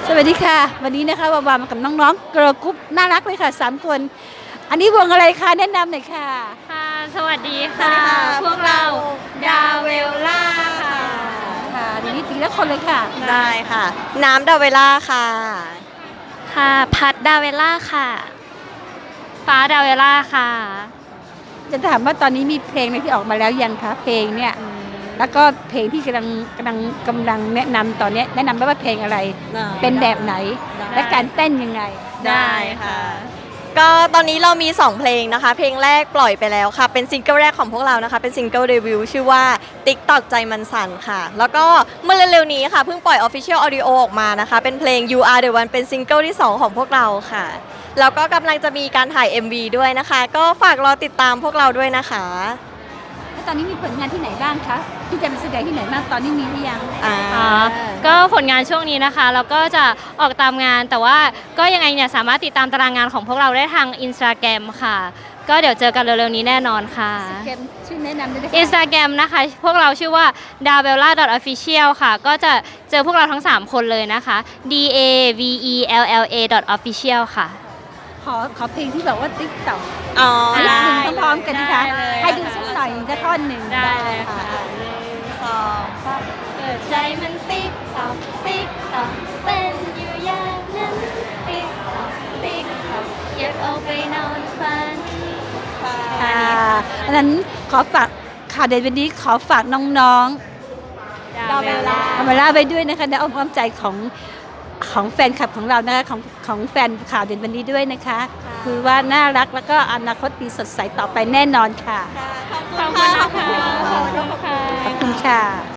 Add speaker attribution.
Speaker 1: สวัสดีค่ะวันนี้นะคะวาวามากับน้องๆเกิร์ลกรุ๊ปน่ารักเลยค่ะ3 คนอันนี้วงอะไรคะแนะนำหน่อยค่ะ
Speaker 2: ค่ะสวัสดี
Speaker 3: สวัส
Speaker 2: ค่ะ
Speaker 3: ดีค่ะ
Speaker 2: พวกเราดาวเวลล่าค่ะ
Speaker 1: ค่ะดีนี้ตีละคนเลยค่ะ
Speaker 3: ได้ค่ะ น้ำดาเวล่าค่ะ
Speaker 2: ค่ะพัดดาวเวลล่าค่ะ ฟ้าดาวเวลล่าค่ะ
Speaker 1: จะถามว่าตอนนี้มีเพลงอะไรที่ออกมาแล้วยังคะเพลงเนี่ยแล้วก็เพลงที่กำลังแนะนำตอนนี้แนะนำว่าเพลงอะไร เป็นแบบไหน และการเต้นยังไง
Speaker 3: ได้ค่ะ ก็ตอนนี้เรามี 2 เพลงนะคะ เพลงแรกปล่อยไปแล้วค่ะ เป็นซิงเกิลแรกของพวกเรานะคะ เป็นซิงเกิลเดบิวต์ชื่อว่า TikTok ใจมันสั่นค่ะ แล้วก็เมื่อเร็วๆนี้ค่ะ เพิ่งปล่อย Official Audio ออกมานะคะ เป็นเพลง You Are The One เป็นซิงเกิลที่ 2 ของพวกเราค่ะ แล้วก็กำลังจะมีการถ่าย MV ด้วยนะคะ ก็ฝากรอติดตามพวกเราด้วยนะคะ
Speaker 1: แล้วตอนนี้มีผลงานที่ไหนบ้างคะที่จะไปแสดงที่ไหนบ้างตอนนี้มีหรือยัง
Speaker 2: ก็ผลงานช่วงนี้นะคะเราก็จะออกตามงานแต่ว่าก็ยังไงเนี่ยสามารถติดตามตารางงานของพวกเราได้ทาง Instagram ค่ะ ก็เดี๋ยวเจอกันเร็วๆนี้แน่นอนค่ะ
Speaker 1: เกมชื่อแนะนำด้วยนะคะ
Speaker 2: Instagram นะคะพวกเราชื่อว่า davella.official ค่ะ ก็จะเจอพวกเราทั้ง 3 คนเลยนะคะ davella.official ค่ะ
Speaker 1: ขอเพลงที่แบบว่าติ๊กต็อก
Speaker 3: อ๋อ
Speaker 1: นิด
Speaker 3: ได้
Speaker 1: นึงพร้อมๆกันนะคะ
Speaker 2: ได้เลย
Speaker 1: ให้ดูสักหน่อยสักท่อนหนึ่ง
Speaker 2: ได้เลยค่ะ
Speaker 3: 2
Speaker 2: เปิดใจมันติ๊กตอกติ๊กตอกเป็นอยู่อย่างนั้นติ๊กตอกติ๊กตอกอยากเอาไปนอนฝัน
Speaker 1: ค่ะอันนั้นขอฝากข่าวเด่นวันนี้ขอฝากน้องๆ
Speaker 2: ดาวเวลา
Speaker 1: เอามาล่าไปด้วยนะคะในอ้อมความใจของแฟนคลับของเรานะคะของแฟนข่าวเด่นวันนี้ด้วยนะคะ คือว่าน่ารักแล้วก็อนาคตดีสดใสต่อไปแน่นอนค่ะ
Speaker 2: ขอบคุณนะคะ
Speaker 1: ขอบคุณค่ะ